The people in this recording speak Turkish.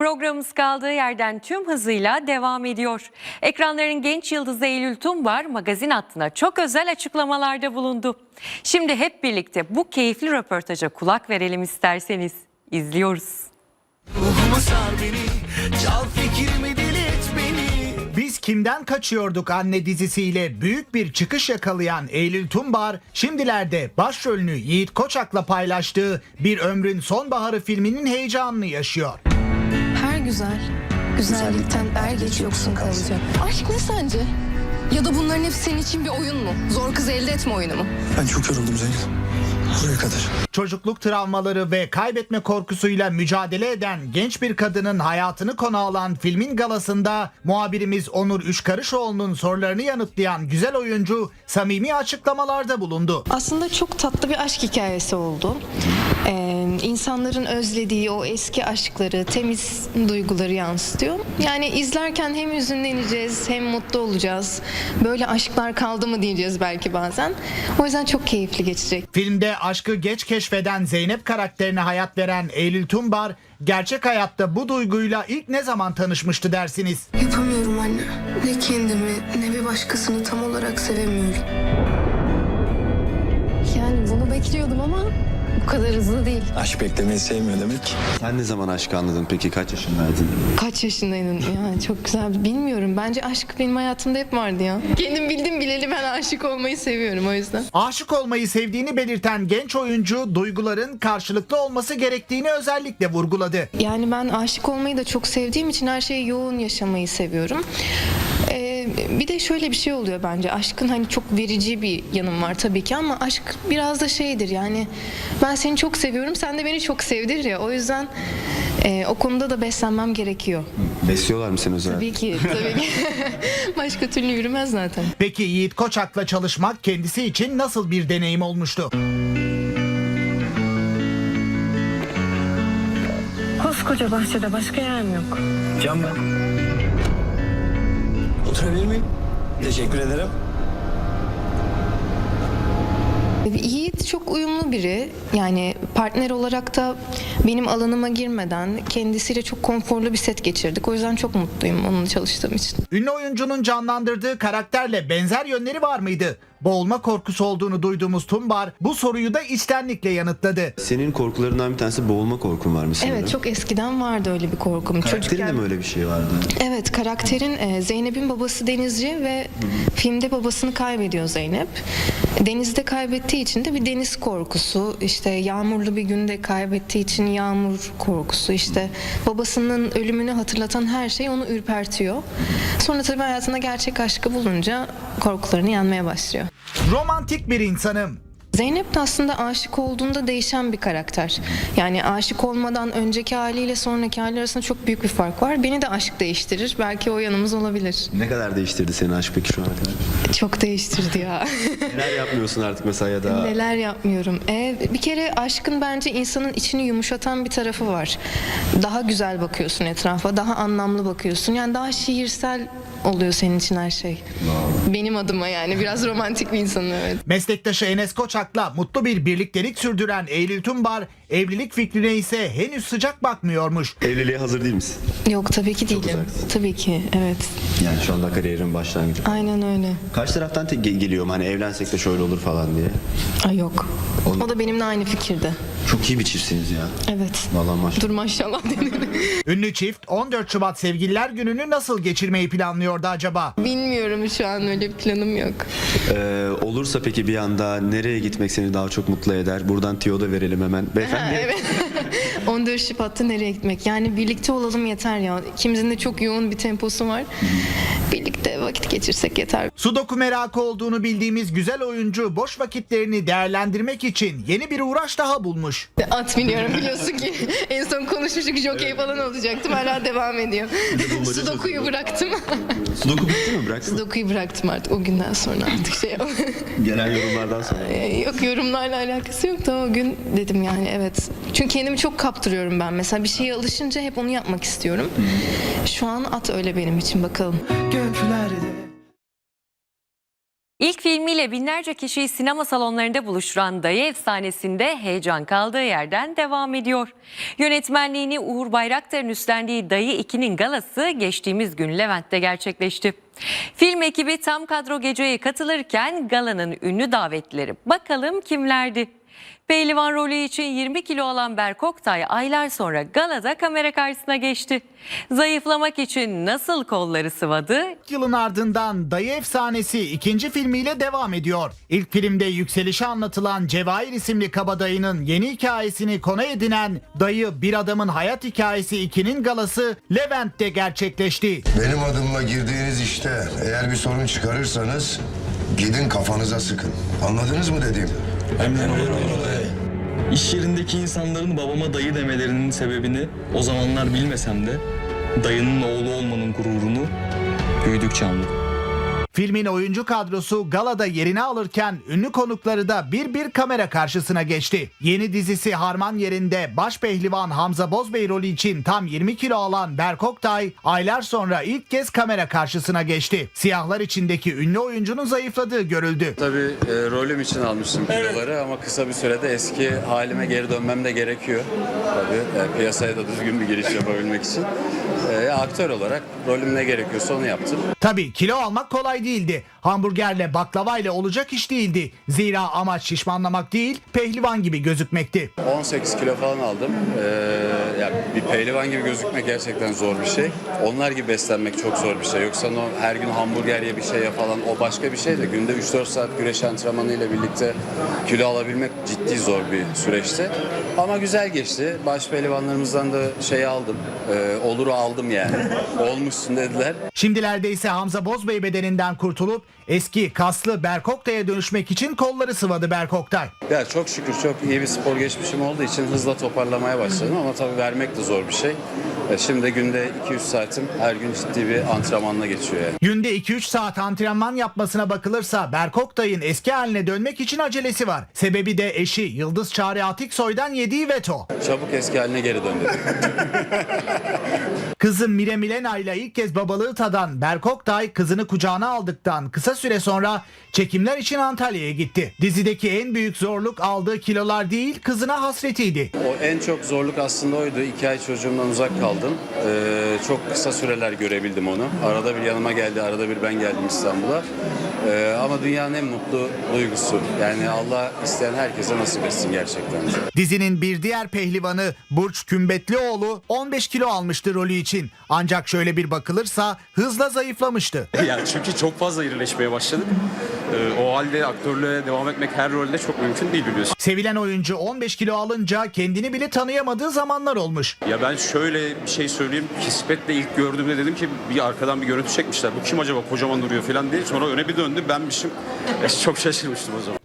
Programımız kaldığı yerden tüm hızıyla devam ediyor. Ekranların genç yıldızı Eylül Tumbar magazin hattına çok özel açıklamalarda bulundu. Şimdi hep birlikte bu keyifli röportaja kulak verelim isterseniz. İzliyoruz. Ruhumu sar beni, çal fikrimi dilet beni. Biz Kimden Kaçıyorduk Anne dizisiyle büyük bir çıkış yakalayan Eylül Tumbar, şimdilerde başrolünü Yiğit Koçak'la paylaştığı Bir Ömrün Sonbaharı filminin heyecanını yaşıyor. Her güzellikten er geç yoksun kalacak. Aşk ne sence? Ya da bunların hepsi senin için bir oyun mu? Zor kız elde etme oyunu mu? Ben çok yoruldum Zeynep. Buraya kadar. Çocukluk travmaları ve kaybetme korkusuyla mücadele eden genç bir kadının hayatını konu alan filmin galasında muhabirimiz Onur Üçkarışoğlu'nun sorularını yanıtlayan güzel oyuncu samimi açıklamalarda bulundu. Aslında çok tatlı bir aşk hikayesi oldu. İnsanların özlediği o eski aşkları, temiz duyguları yansıtıyor. Yani izlerken hem hüzünleneceğiz hem mutlu olacağız. Böyle aşklar kaldı mı diyeceğiz belki bazen. O yüzden çok keyifli geçecek. Filmde aşkı geç keşfeden Zeynep karakterine hayat veren Eylül Tumbar, gerçek hayatta bu duyguyla ilk ne zaman tanışmıştı dersiniz? Yapamıyorum anne. Ne kendimi ne bir başkasını tam olarak sevemiyorum. Yani bunu bekliyordum ama bu kadar hızlı değil. Aşk beklemeyi sevmiyor demek. Sen ne zaman aşkı anladın peki? Kaç yaşındaydın? Kaç yaşındaydın? Ya çok güzel. Bilmiyorum. Bence aşk benim hayatımda hep vardı ya. Kendim bildim bileli ben aşık olmayı seviyorum o yüzden. Aşık olmayı sevdiğini belirten genç oyuncu, duyguların karşılıklı olması gerektiğini özellikle vurguladı. Yani ben aşık olmayı da çok sevdiğim için her şeyi yoğun yaşamayı seviyorum. Bir de şöyle bir şey oluyor bence. Aşkın hani çok verici bir yanım var tabii ki ama aşk biraz da şeydir yani ben seni çok seviyorum sen de beni çok sevdir ya. O yüzden o konuda da beslenmem gerekiyor. Besliyorlar mı seni özel? Tabii ki. Başka türlü yürümez zaten. Peki Yiğit Koçak'la çalışmak kendisi için nasıl bir deneyim olmuştu? Koskoca bahçede başka yer mi yok? Can ben. Oturabilir miyim? Teşekkür ederim. Yiğit çok uyumlu biri. Yani partner olarak da benim alanıma girmeden kendisiyle çok konforlu bir set geçirdik. O yüzden çok mutluyum onunla çalıştığım için. Ünlü oyuncunun canlandırdığı karakterle benzer yönleri var mıydı? Boğulma korkusu olduğunu duyduğumuz Tumbar bu soruyu da içtenlikle yanıtladı. Senin korkularından bir tanesi boğulma korkun var mı sanırım? Evet çok eskiden vardı öyle bir korkum. Karakterinde mi öyle bir şey vardı? Evet karakterin Zeynep'in babası denizci ve filmde babasını kaybediyor Zeynep. Denizde kaybettiği için de bir deniz korkusu, işte yağmurlu bir günde kaybettiği için yağmur korkusu, işte babasının ölümünü hatırlatan her şey onu ürpertiyor. Sonra tabii hayatında gerçek aşkı bulunca korkularını yenmeye başlıyor. Romantik bir insanım. Zeynep de aslında aşık olduğunda değişen bir karakter. Yani aşık olmadan önceki haliyle sonraki hali arasında çok büyük bir fark var. Beni de aşk değiştirir. Belki o yanımız olabilir. Ne kadar değiştirdi senin aşk peki şu ana kadar? Çok değiştirdi ya. Neler yapmıyorsun artık mesela ya da? Neler yapmıyorum. Bir kere aşkın bence insanın içini yumuşatan bir tarafı var. Daha güzel bakıyorsun etrafa, daha anlamlı bakıyorsun. Yani daha şiirsel oluyor senin için her şey. Benim adıma yani biraz romantik bir insanım evet. Meslektaşı Enes Koçak'la mutlu bir birliktelik sürdüren Eylül Tumbar, evlilik fikrine ise henüz sıcak bakmıyormuş. Evliliğe hazır değil misin? Yok tabii ki değilim. uzaksın. Tabii ki evet. Yani şu anda kariyerin başlangıcı. Aynen öyle. Karşı taraftan geliyor mu hani evlensek de şöyle olur falan diye? Ay yok. O da benimle aynı fikirde. Çok iyi bir çiftsiniz ya. Evet. Vallahi maşallah. Dur maşallah denir. Ünlü çift 14 Şubat Sevgililer Günü'nü nasıl geçirmeyi planlıyordu acaba? Bilmiyorum şu an öyle bir planım yok. Olursa peki bir anda nereye gitmek seni daha çok mutlu eder? Buradan tiyo da verelim hemen. Beyefendi. Evet. 14 Şubat'ta nereye gitmek? Yani birlikte olalım yeter ya. İkimizin de çok yoğun bir temposu var. Birlikte vakit geçirsek yeter. Sudoku merakı olduğunu bildiğimiz güzel oyuncu boş vakitlerini değerlendirmek için yeni bir uğraş daha bulmuş. At biniyorum biliyorsun ki. En son konuşmuştuk jockey falan olacaktım. Hala devam ediyor. Sudoku'yu bıraktım. Sudoku bitti mi? Bıraktın mı? Sudoku'yu bıraktım artık. O günden sonra artık şey Gelen yorumlardan sonra. Yok yorumlarla alakası yok da o gün dedim yani evet. Çünkü kendimi çok kaptırıyorum ben. Mesela bir şeye alışınca hep onu yapmak istiyorum. Şu an at öyle benim için bakalım. Göklerde İlk filmiyle binlerce kişiyi sinema salonlarında buluşturan Dayı efsanesinde heyecan kaldığı yerden devam ediyor. Yönetmenliğini Uğur Bayraktar'ın üstlendiği Dayı 2'nin galası geçtiğimiz gün Levent'te gerçekleşti. Film ekibi tam kadro geceye katılırken galanın ünlü davetlileri bakalım kimlerdi? Pehlivan rolü için 20 kilo alan Berk Oktay aylar sonra galada kamera karşısına geçti. Zayıflamak için nasıl kolları sıvadı? Yılın ardından Dayı efsanesi ikinci filmiyle devam ediyor. İlk filmde yükselişi anlatılan Cevahir isimli kabadayının yeni hikayesini konu edinen Dayı Bir Adamın Hayat Hikayesi 2'nin galası Levent'te gerçekleşti. Benim adımla girdiğiniz işte eğer bir sorun çıkarırsanız gidin kafanıza sıkın. Anladınız mı dediğim? İş yerindeki insanların babama dayı demelerinin sebebini o zamanlar bilmesem de dayının oğlu olmanın gururunu büyüdükçe anladım. Filmin oyuncu kadrosu galada yerini alırken ünlü konukları da bir kamera karşısına geçti. Yeni dizisi Harman yerinde baş pehlivan Hamza Bozbey rolü için tam 20 kilo alan Berk Oktay aylar sonra ilk kez kamera karşısına geçti. Siyahlar içindeki ünlü oyuncunun zayıfladığı görüldü. Tabii rolüm için almıştım kiloları ama kısa bir sürede eski halime geri dönmem de gerekiyor. Tabii piyasaya da düzgün bir giriş yapabilmek için. Aktör olarak rolüm ne gerekiyorsa onu yaptım. Tabii kilo almak kolay değildi. Hamburgerle baklavayla olacak iş değildi. Zira amaç şişmanlamak değil, pehlivan gibi gözükmekti. 18 kilo falan aldım. Yani bir pehlivan gibi gözükmek gerçekten zor bir şey. Onlar gibi beslenmek çok zor bir şey. Yoksa her gün hamburger ye bir şey ye falan o başka bir şey de günde 3-4 saat güreş antrenmanıyla birlikte kilo alabilmek ciddi zor bir süreçti. Ama güzel geçti. Baş pehlivanlarımızdan da şey aldım. Oluru aldım yani. Olmuşsun dediler. Şimdilerde ise Hamza Bozbey bedeninden kurtulup eski kaslı Berk Oktay'a dönüşmek için kolları sıvadı Berk Oktay. Ya çok şükür çok iyi bir spor geçmişim olduğu için hızla toparlamaya başladım ama tabii vermek de zor bir şey. Şimdi günde 2-3 saatim her gün ciddi bir antrenmanla geçiyor yani. Günde 2-3 saat antrenman yapmasına bakılırsa Berk Oktay'ın eski haline dönmek için acelesi var. Sebebi de eşi Yıldız Çağrı Atiksoy'dan yediği veto. Çabuk eski haline geri dön dedim. Kızı Mire Milena ile ilk kez babalığı tadan Berk Oktay kızını kucağına aldıktan kısa süre sonra çekimler için Antalya'ya gitti. Dizideki en büyük zorluk aldığı kilolar değil kızına hasretiydi. O en çok zorluk aslında oydu. 2 ay çocuğumdan uzak kaldım. Çok kısa süreler görebildim onu. Arada bir yanıma geldi, arada bir ben geldim İstanbul'a. Ama dünyanın en mutlu duygusu. Yani Allah isteyen herkese nasip etsin gerçekten. Dizinin bir diğer pehlivanı Burç Kümbetlioğlu 15 kilo almıştı rolü için. Ancak şöyle bir bakılırsa hızla zayıflamıştı. Yani çünkü çok fazla irileşmeye başladık. O halde aktörlüğe devam etmek her rolde çok mümkün değil biliyorsun. Sevilen oyuncu 15 kilo alınca kendini bile tanıyamadığı zamanlar olmuş. Ya ben şöyle bir şey söyleyeyim. Kismetle ilk gördüğümde dedim ki bir arkadan bir görüntü çekmişler. Bu kim acaba kocaman duruyor falan diye. Sonra öne bir döndüm benmişim. Çok şaşırmıştım o zaman.